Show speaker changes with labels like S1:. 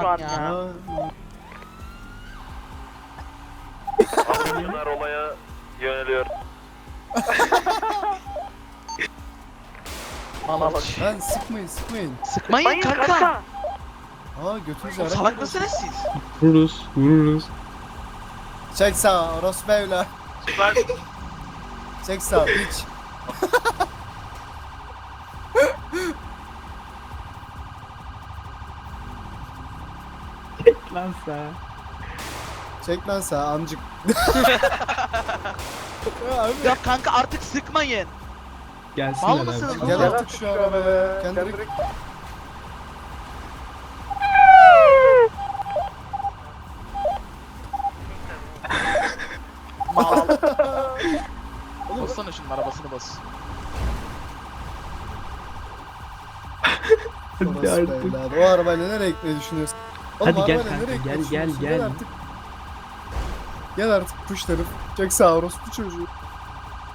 S1: an
S2: ya.
S1: ya.
S3: Bunlar olaya yöneliyor.
S2: Malaş.
S4: Lan sıkmayın.
S2: Sıkmayın
S1: Bayın
S2: kanka.
S1: kanka.
S4: Aa götünüzü
S2: Oğlum salak mısınız siz?
S5: Vururuz.
S4: Çek sağa orospu evla.
S3: Süper.
S4: Çek sağa piç.
S5: Lan sen.
S4: Çek lan sağa amcık. Ya abi.
S2: Ya kanka artık sıkmayın.
S5: Gelsinler
S2: Mal mısınız
S5: abi.
S2: oğlum?
S4: Gel artık şu arabaya. Kendini...
S2: Mal. Bassana şunun arabasını bas.
S5: Hadi
S4: Orospu
S5: artık.
S4: evladı. O arabayla nereye gitmeyi düşünüyorsun? Oğlum,
S5: Hadi gel
S4: arabayla
S5: kanka,
S4: nereye gitmeyi
S5: gel,
S4: düşünüyorsun?
S5: gel.
S4: Gel artık. Gel artık push tarif. Çek sağa orospu çocuğu.